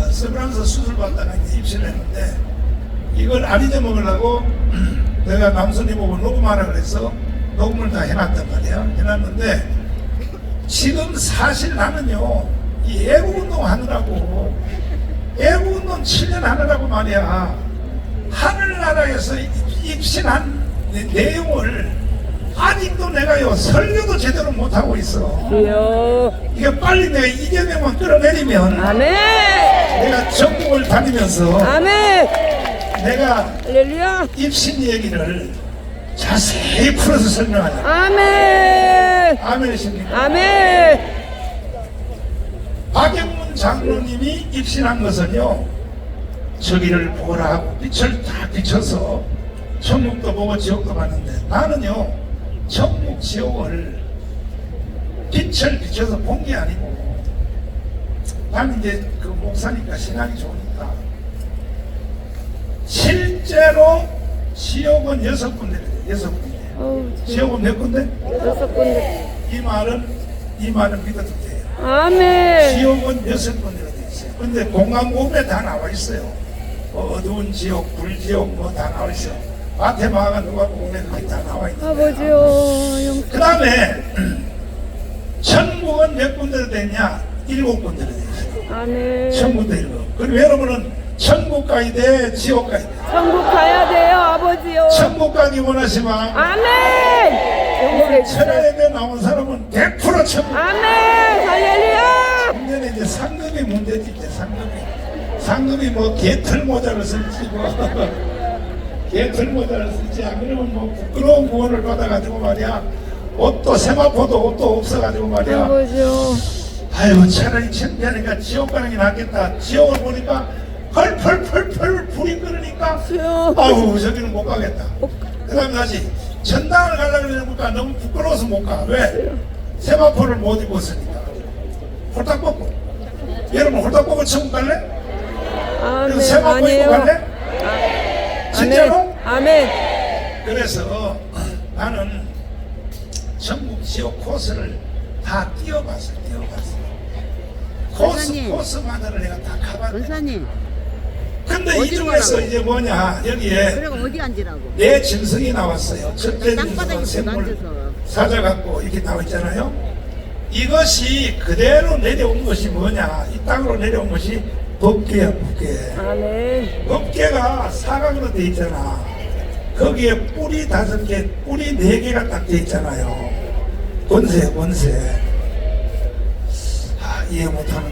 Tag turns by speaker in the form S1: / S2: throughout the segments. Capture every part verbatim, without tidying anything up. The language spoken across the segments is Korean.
S1: 서브란스 수술 받다가 이제 입시를 했는데 이걸 안 잊어먹으려고 내가 남순이 보고 녹음하라 그래서 녹음을 다 해놨단 말이야. 해놨는데 지금 사실 나는요 이 애국운동 하느라고 애국운동 칠 년 하느라고 말이야 하늘나라에서 입신한 내용을 아직도 내가요 설교도 제대로 못하고 있어.
S2: 주여.
S1: 이게 빨리 내가 이재명만 끌어내리면
S2: 아멘.
S1: 내가 전국을 다니면서
S2: 아멘.
S1: 내가
S2: 할렐루야.
S1: 입신 얘기를 자세히 풀어서 설명하자.
S2: 아멘.
S1: 아멘이십니까?
S2: 아멘.
S1: 박영문 장로님이 입신한 것은요 저기를 보라 하고 빛을 다 비춰서 천국도 보고 지옥도 봤는데 나는요 천국 지옥을 빛을 비춰서 본 게 아니고 나는 이제 그 목사니까 신앙이 좋으니까 실제로 지옥은 여섯 군데래요. 여섯 군데.
S2: 어우,
S1: 지옥은 몇 군데?
S2: 여섯 군데.
S1: 이 말은 이 말은 믿어도 돼요.
S2: 아멘.
S1: 지옥은 여섯 군데가 돼 있어요. 근데 공강보험에 다 나와 있어요. 뭐 어두운 지옥, 불지옥 뭐 다 나와 있어요. 마테마가 누가 보면 그게 다 나와 있는 거예요.
S2: 아버지요.
S1: 그 다음에 천국은 몇 군데로 되냐? 일곱 군데로 돼 있어요.
S2: 아멘.
S1: 천국도 일곱. 그리고 여러분은 천국 가야 돼, 지옥 가야 돼.
S2: 천국 가야 돼요, 아버지요.
S1: 천국 가기 원하시면
S2: 아멘. 영광의 주여.
S1: 천하에 나온 사람은 백 퍼센트 천국.
S2: 아멘. 할렐루야.
S1: 문제는 이제 상급이 문제지. 이제 상급이 상급이 뭐 개털 모자를 쓸지 뭐 개털 모자를 쓸지 안 그러면 뭐 부끄러운 구원을 받아가지고 말이야 옷도 세마포도 옷도 없어가지고 말이야
S2: 아버지요.
S1: 아이고 차라리 창피하니까 지옥 가는 게 낫겠다. 지옥을 보니까 펄펄펄펄 불이 끓으니까
S2: 주여.
S1: 아우 저기는 못 가겠다. 그 다음에 다시 전당을 가려고 그러니까 너무 부끄러워서 못 가. 왜? 세마포를 못 입었으니까. 홀딱 벗고. 여러분 홀딱 벗고 천국 갈래?
S2: 아멘.
S1: 세마포 입고
S2: 아니에요.
S1: 갈래?
S2: 아,
S1: 진짜로?
S2: 아멘.
S1: 그래서 나는 천국 지옥 코스를 다 뛰어봤어. 뛰어봤어. 코스
S3: 권사님.
S1: 코스마다를 내가 다 가봤네.
S3: 권사님,
S1: 근데 이
S3: 어디로
S1: 중에서
S3: 가라고?
S1: 이제 뭐냐 여기에
S3: 그래가 어디 앉으라고?
S1: 내 진성이 나왔어요. 첫째
S3: 땅바닥에
S1: 진성은 샘물
S3: 앉아서.
S1: 사자같고 이렇게 나와 있잖아요. 이것이 그대로 내려온 것이 뭐냐? 이 땅으로 내려온 것이 법계야, 법계.
S2: 아멘.
S1: 법계가 사각으로 돼 있잖아. 거기에 뿔이 다섯 개, 뿔이 네 개가 딱 돼 있잖아요. 권세, 권세. 아, 이해 못하는 것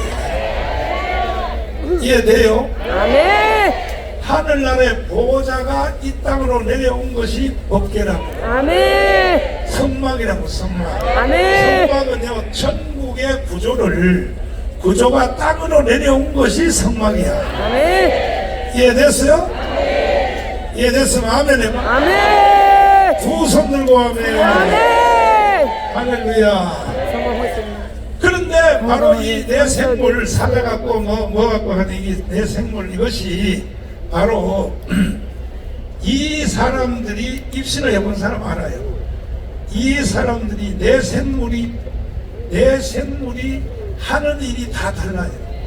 S1: 같은데. 이해돼요?
S2: 아멘.
S1: 하늘나라의 보호자가 이 땅으로 내려온 것이 법계라고.
S2: 아멘.
S1: 성막이라고, 성막.
S2: 아멘.
S1: 성막은요, 천국의 구조를, 구조가 땅으로 내려온 것이 성막이야.
S2: 아멘.
S1: 이해됐어요? 이해됐으면 아멘 해봐.
S2: 아멘.
S1: 두 손 들고 아멘.
S2: 아멘.
S1: 할렐루야.
S2: 성공했습니다.
S1: 그런데 바로 이 내 생물 사자갖고 뭐, 뭐 갖고 하는 이내 생물 이것이 바로 이 사람들이 입신을 해본 사람 알아요. 이 사람들이 내 생물이 내 생물이 하는 일이 다 달라요.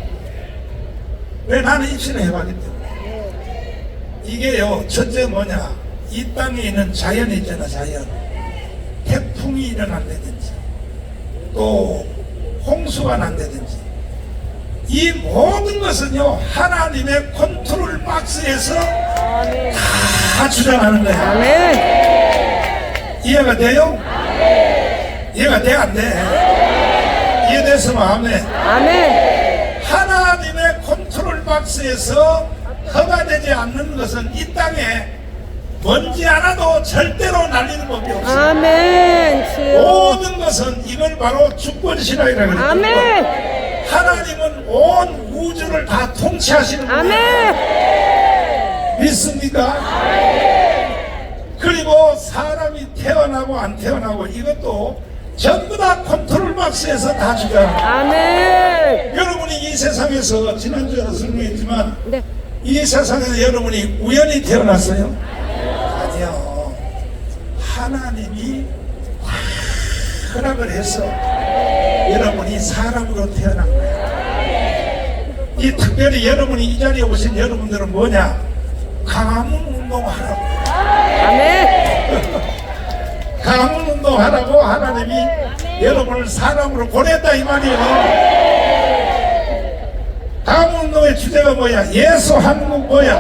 S1: 왜 나는 입신을 해봤기 때문에. 이게요 첫째 뭐냐 이 땅에 있는 자연이 있잖아. 자연 태풍이 일어난다든지 또 홍수가 난다든지 이 모든 것은요 하나님의 컨트롤 박스에서
S2: 아멘.
S1: 다 주장하는 거야.
S2: 아멘.
S1: 이해가 돼요? 이해가 돼? 안 돼? 이해됐으면 아멘.
S2: 아멘.
S1: 하나님의 컨트롤 박스에서 허가되지 않는 것은 이 땅에 먼지 하나도 절대로 날리는 법이 없어요.
S2: 아멘. 주여.
S1: 모든 것은 이걸 바로 주권신앙이라고 그래요.
S2: 아멘.
S1: 하나님은 온 우주를 다 통치하시는 거예요.
S2: 아멘.
S1: 믿습니까? 그리고 사람이 태어나고 안 태어나고 이것도 전부 다 컨트롤 박스에서 다 주잖아요.
S2: 아멘.
S1: 여러분이 이 세상에서 지난주에도 설명했지만
S2: 네.
S1: 이 세상에서 여러분이 우연히 태어났어요? 아니요. 하나님이 허락을 해서 여러분이 사람으로 태어난 거예요. 이 특별히 여러분이 이 자리에 오신 여러분들은 뭐냐? 가문 운동하라고.
S2: 아멘.
S1: 가문 운동하라고 하나님이 여러분을 사람으로 보냈다 이 말이에요. 가문 운동의 주제가 뭐야? 예수 한국 뭐야?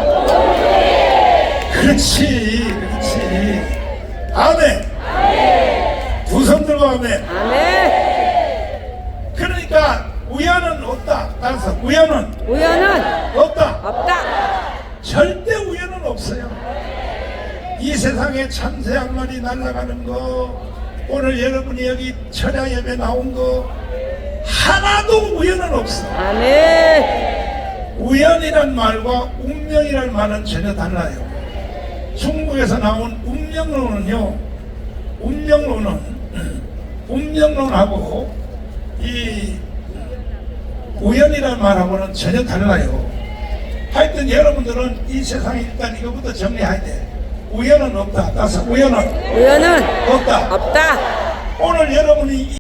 S1: 그렇지, 그렇지. 아멘. 두 손 들고 아멘.
S2: 아멘.
S1: 그러니까 우연은 없다. 따라서 우연은
S2: 우연은
S1: 없다.
S2: 없다.
S1: 절대 우연은 없어요. 이 세상에 참새 한 마리 날아가는 거, 오늘 여러분이 여기 철야 예배 나온 거 하나도 우연은 없어.
S2: 아멘.
S1: 우연이란 말과 운명이란 말은 전혀 달라요. 중국에서 나온 운명론은요, 운명론은 운명론하고 이 우연이란 말하고는 전혀 달라요. 하여튼 여러분들은 이 세상에 일단 이거부터 정리해야 돼. 우연은 없다. 따라서 우연은
S2: 우연은
S1: 없다.
S2: 없다.
S1: 오늘 여러분이